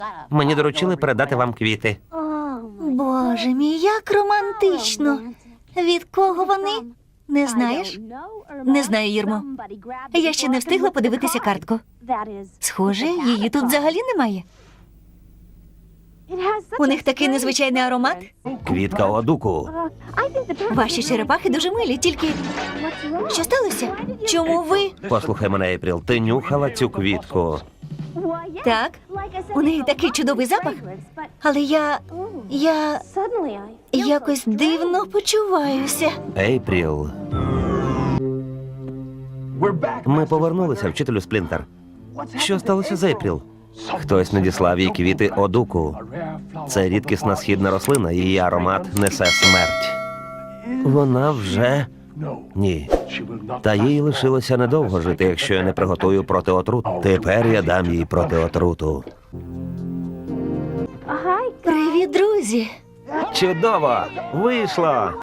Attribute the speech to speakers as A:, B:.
A: Мені доручили передати вам квіти.
B: Боже мій, як романтично. Від кого вони? Не знаєш? Не знаю, Ірмо. Я ще не встигла подивитися картку. Схоже, її тут взагалі немає. У них такий незвичайний аромат.
A: Квітка одуку.
B: Ваші черепахи дуже милі, тільки... Що сталося? Чому ви?
A: Послухай мене, Ейпріл, ти нюхала цю квітку.
B: Так, у неї такий чудовий запах, але я якось дивно почуваюся.
A: Ейпріл. Ми повернулися, вчителю Сплінтер. Що сталося з Ейпріл? Хтось надіслав їй квіти одуку. Це рідкісна східна рослина, її аромат несе смерть. Вона вже... Ні. Та їй лишилося недовго жити, якщо я не приготую протиотрут. Тепер я дам їй протиотруту.
B: Привіт, друзі!
A: Чудово! Вийшло!